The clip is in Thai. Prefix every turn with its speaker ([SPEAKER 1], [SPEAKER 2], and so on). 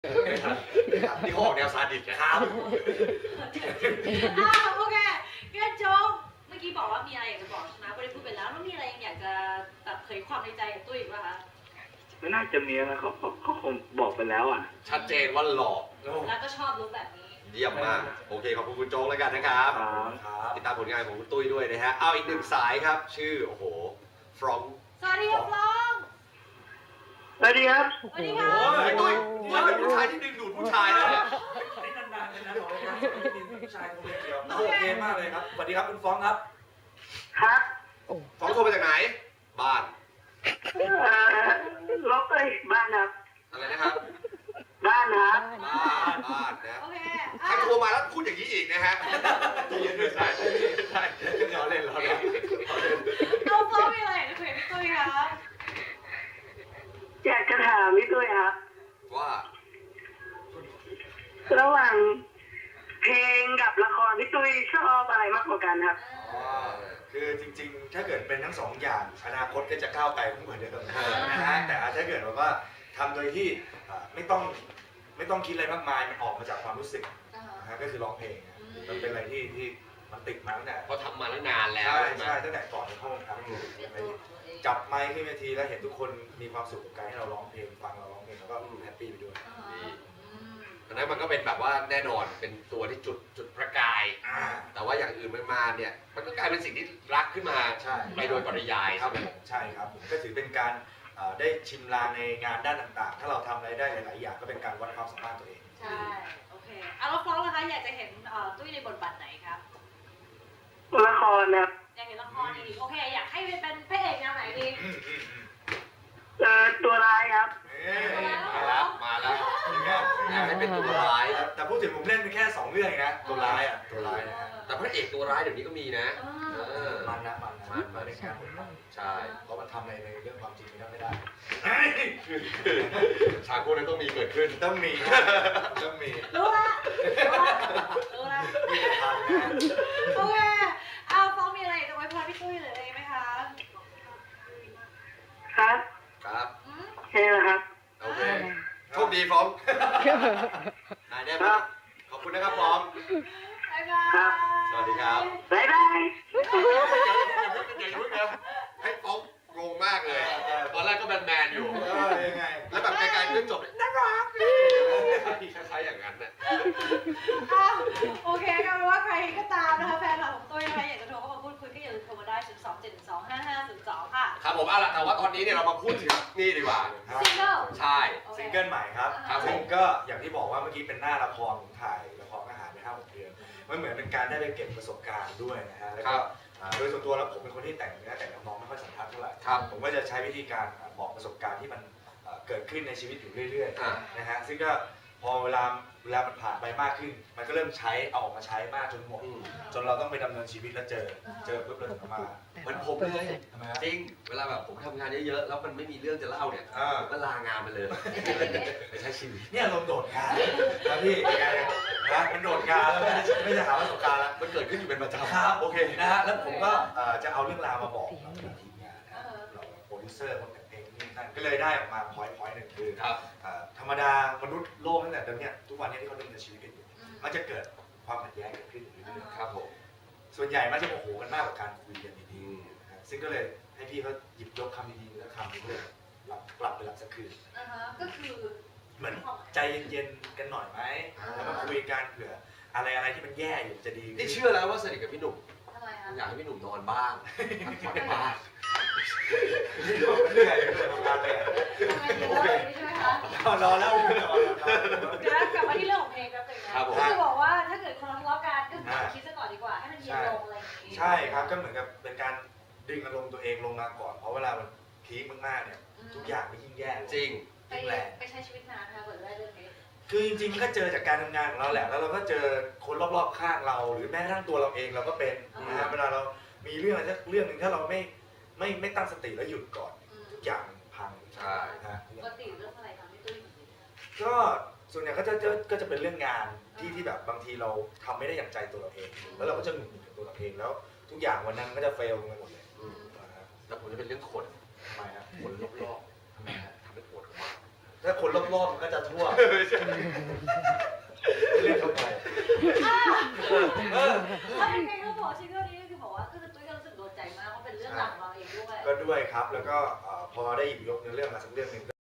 [SPEAKER 1] นี่เขาออกแนวซาดิสนะครับ
[SPEAKER 2] โอเคงั้นโจ๊กเมื่อกี้บอกว่ามีอะไรอยากจะบอกใช่ไหมก็ได้พูดไปแล้วแล้วมีอะไรยังอยากจะแบบเผยความในใจกับตุ้ยอีกป่ะคะ
[SPEAKER 3] ไม่น่าจะมีนะเขาคงบอกไปแล้วอ่ะ
[SPEAKER 1] ชัดเจนว่าหล่อ
[SPEAKER 2] แล้วก็ชอบรู้แบบนี้
[SPEAKER 1] เยี่ยมมากโอเคขอบคุณคุณโจ๊กแล้วกันนะครับติดตามผลงานของคุณตุ้ยด้วยนะฮะเอาอีกหนึ่งสายครับชื่อโอ้โหฟรอง
[SPEAKER 2] สวัสดีครับฟรอง
[SPEAKER 3] สวัสดีครับ
[SPEAKER 2] สวัสดีค่ะ
[SPEAKER 1] โอ้ยตุ้ยมันเป็นผู้ชายที่ดึงดูดผู้ชายนะเนี่ย
[SPEAKER 4] นี่นานๆเลยนะของรายการสวัสดีผู้ชายคนเดียวโอเคมากเลยครับสวัสดีครับคุณฟ้องครับ
[SPEAKER 3] ครับ
[SPEAKER 1] ฟรองโทรมาจากไหนบ้าน
[SPEAKER 3] ล็อกเลยบ้านครับ
[SPEAKER 1] อะไรนะครับ
[SPEAKER 3] บ้านครับ
[SPEAKER 1] บ้านนะ
[SPEAKER 2] โอเค
[SPEAKER 1] ใครโทรมาแล้วพูดอย่างนี้อีกนะฮะใจเย็นด้วยใช่ล้อเล่น
[SPEAKER 2] เอาฟรองมีอะไรอยากจะคุยกับพี่ตุ้ยครับ
[SPEAKER 3] อยากจะถามพี่ตุ้ยครับ
[SPEAKER 1] ว่า
[SPEAKER 3] ระหว่างเพลงกับละครพี่ตุ้ยชอบอะไรมากกว่ากันครับ
[SPEAKER 4] คือจริงๆ ถ้าเกิดเป็นทั้งสองอย่างอนาคตก็จะก้าวไกลขึ้นกว่าเดิมนะฮะแต่ถ้าเกิดว่าทำโดยที่ไม่ต้องคิดอะไรมากมายมันออกมาจากความรู้สึกนะฮะก็คือร้องเพลงมันเป็นอะไรที่มันติดมาตั้งแต่
[SPEAKER 1] เพราะทำมาตั้งนานแล้ว
[SPEAKER 4] ใช่ตั้งแต่ก่อนเข้าวงการอยู่จับไมค์ขึ้นเวทีแล้วเห็นทุกคนมีความสุขกับการที่เราร้องเพลงฟังเราร้องเพลงแล้วก็แฮปปี้ไปด้วย
[SPEAKER 1] อันนั้นมันก็เป็นแบบว่าแน่นอนเป็นตัวที่จุดประกาย แต่ว่าอย่างอื่นมันมาเนี่ยมันก็กลายเป็นสิ่งที่รักขึ้นมา
[SPEAKER 4] ใช่
[SPEAKER 1] ไปโดยปริยาย
[SPEAKER 4] ครับผมใช่ครับผมก็ถือเป็นการได้ชิมลางในงานด้านต่างๆ ถ้าเราทำอะไรได้หลายๆอย่างก็เป็นการวัดความสามารถตัวเอง
[SPEAKER 2] ใช่โอเคเอาแล้วฟรองนะคะอยากจะเห็นตุ้ยในบทบาทไหนครับ
[SPEAKER 3] ละครครับ
[SPEAKER 2] อยากเห็นละครดีโอเคอยากให้เป็นพระเอกแนวไหนดี
[SPEAKER 3] ตัวร้ายครับ
[SPEAKER 1] มาแล้วอยากให้เป็นตัวร้าย
[SPEAKER 4] แต่พูดถึงผมเล่นไปแค่2เรื่องเองนะตัวร้ายนะฮะ
[SPEAKER 1] แต่พระเอกตัวร้ายเดี๋ยวนี้ก็มีนะ
[SPEAKER 4] มันในงานผม
[SPEAKER 1] ใช่
[SPEAKER 4] เพราะมันทำอะไรในเรื่องความจริงไม่ได้
[SPEAKER 1] ฉากพวกนั้นต้องมีเกิดขึ้น
[SPEAKER 4] ต้องมี
[SPEAKER 2] รู้ละ
[SPEAKER 4] มีทางนะ
[SPEAKER 2] โอเคเอาฟรองมีอะไรอยากจะไว้พรพี่ตุ้ยหรืออะไรไหมคะ
[SPEAKER 3] ครับ
[SPEAKER 1] ครับ
[SPEAKER 3] ใช่แล้วครับ
[SPEAKER 1] โอเคโชคดีพร้อมนายได้ไหมขอบคุณนะครับพร้อม
[SPEAKER 2] บ๊ายบาย
[SPEAKER 1] สวัสดีครับ
[SPEAKER 3] บ๊ายบาย
[SPEAKER 1] อย่ายุ่งนะให้ฟ้องงงมากเลย ตอนแรกก็แมนๆอยู่
[SPEAKER 4] ยังไง
[SPEAKER 1] แล้วแบบไกลๆก็จบน่ารักคล้ายๆอย่างนั้นน่ะ
[SPEAKER 2] โอเคก็เป็นว่าใครก็ตามนะคะแฟนคลับของตุ้ยนะคะอยากจะโทรเข้ามาพูดคุยก็อย่าลืมโทรมาได้ 027125502 ค่ะ
[SPEAKER 1] ครับผมเอาล่ะแต่ว่าตอนนี้เนี่ยเรามาพูดถึงนี่ดีกว่า
[SPEAKER 2] ซิงเกิล
[SPEAKER 1] ใช่
[SPEAKER 4] ซิงเกิลใหม่ครับ
[SPEAKER 1] ครับผม
[SPEAKER 4] ซึ่งก็อย่างที่บอกว่าเมื่อกี้เป็นหน้าละครผมถ่ายละครอาหารไป5-6 เดือนมันเหมือนเป็นการได้ไปเก็บประสบการณ์ด้วยนะฮะแล้วก็โดยส่วนตัวแล้วผมเป็นคนที่แต่งเนื้อแต่งน้องไม่ค่อยสัมพันธ์เท่าไหร่ผมก็จะใช้วิธีการบอกประสบการณ์ที่มันเกิดขึ้นในชีวิตอยู่เรื่อยๆนะฮะซึ่งก็พอเวลามันผ่านไปมากขึ้น มันก็เริ่มใช้เอาออกมาใช้มากจนหมดจนเราต้องไปดำเนินชีวิตแล้วเจอปุ๊บเราถึงมา
[SPEAKER 1] เหมือนผมเลย
[SPEAKER 4] ทำไมฮะ
[SPEAKER 1] จริง เวลาแบบผมทำงานเยอะๆ แล้วมันไม่มีเรื่องจะเล่าเนี่ยผมก็ลางานไปเลยไปใช้ชีวิต
[SPEAKER 4] เนี่ยลมโดดงานนะพี่ไงนะมันโดดงานแล้วไม่จะหาประสบการณ์แล้ว
[SPEAKER 1] มันเกิดขึ้นอยู่เป็นประจำ
[SPEAKER 4] ครับโอเคนะฮะแล้วผมก็จะเอาเรื่องราวมาบอกเราเป็นทีมงานนะเราโปรดิวเซอร์คนแต่งเพลงนี่นั่นก็เลยได้ออกมาพอยต์หนึ่งคือ
[SPEAKER 1] ครับ
[SPEAKER 4] ธรรมดามนุษย์โลกตั้งแต่เดิมเนี่ยทุกวันนี้ที่เขาดำเนินชีวิตกันอยู่มันจะเกิดความขัดแย้งเกิดขึ้นอยู่เรื่อย
[SPEAKER 1] ครับผม
[SPEAKER 4] ๆส่วนใหญ่มันจะโมโหกันมากกว่าการคุยกันดีๆนะฮะซึ่งก็เลยให้พี่เขาหยิบยกคำดีๆแล้วคำนี้เลยกลับไปหลับสักคืน
[SPEAKER 2] ก็คือ
[SPEAKER 4] เหมือนใจเย็นๆกันหน่อยไหมแล้วมาคุยกันเผื่ออะไรที่มันแย่อยู่จะดีขึ้น
[SPEAKER 1] นี่เชื่อแล้วว่าสนิทกับพี่หนุ่ม
[SPEAKER 2] ทำไมคะ
[SPEAKER 1] อยากให้พี่หนุ่มนอนบ้างพักผ่อนบ้าง
[SPEAKER 4] เหนื่อยทำงานเลย
[SPEAKER 2] ทำไมถึงเล่าอย่างนี้ใช่ไหมคะ
[SPEAKER 4] รอแล้ว
[SPEAKER 2] เดี๋ยวกลับมาที่เรื่องของเพลงแป๊บนึงนะก็คือบอกว่าถ้าเกิดคนทะเลาะกันก็คิดซะก่อนดีกว่าให้มันเย็นลงอะไรอย่างนี้
[SPEAKER 4] ใช่ครับก็เหมือนกับเป็นการดึงอารมณ์ตัวเองลงมาก่อนเพราะเวลามันพีคมากๆเนี่ยทุกอย่างมันยิ่งแย่
[SPEAKER 1] จริง
[SPEAKER 2] ไปใช้ชีวิตนานนะคะเปิดได้เรื่องนี้
[SPEAKER 4] คือจริงๆมันก็เจอจากการทำงานของเราแหละแล้วเราก็เจอคนรอบๆข้างเราหรือแม้กระทั่งตัวเราเองเราก็เป็นนะฮะเวลาเรามีเรื่องอะไรสักเรื่องหนึ่งถ้าเราไม่ตั้งสติแล้วหยุดก่อนทุกอย่างพัง
[SPEAKER 1] ใช่
[SPEAKER 4] นะฮะ
[SPEAKER 2] ปกติเรื่องอะไรทำให้ตุ้ย
[SPEAKER 4] ก็ส่วนใหญ่ก็จะเป็นเรื่องงานที่แบบบางทีเราทำไม่ได้อย่างใจตัวเราเอง แล้วเราก็จะหงุดหงิดกับตัวเราเองแล้วทุกอย่างวันนั้นก็จะเฟลลงไปหมดเลยนะฮะ
[SPEAKER 1] แล้วผมจะเป็นเรื่องคน
[SPEAKER 4] ทำไมฮะ
[SPEAKER 1] คนรอบๆทำให้ปวดหัว
[SPEAKER 4] ถ้าคนรอบๆมันก็จะทั่วเล่นเข้าไป
[SPEAKER 2] ถ้าเป็นเพลงก็บอกชื่อเรื่องนี้ก็คือบอกว่าคือตุ้ยก็รู้สึกโดนใจมากว่าเป็นเรื่องหลังเราเองด้วย
[SPEAKER 4] ก็ด้วยครับแล้วก็พอได้หยิบยกเนื้อเรื่องมาสักเรื่องหนึ่ง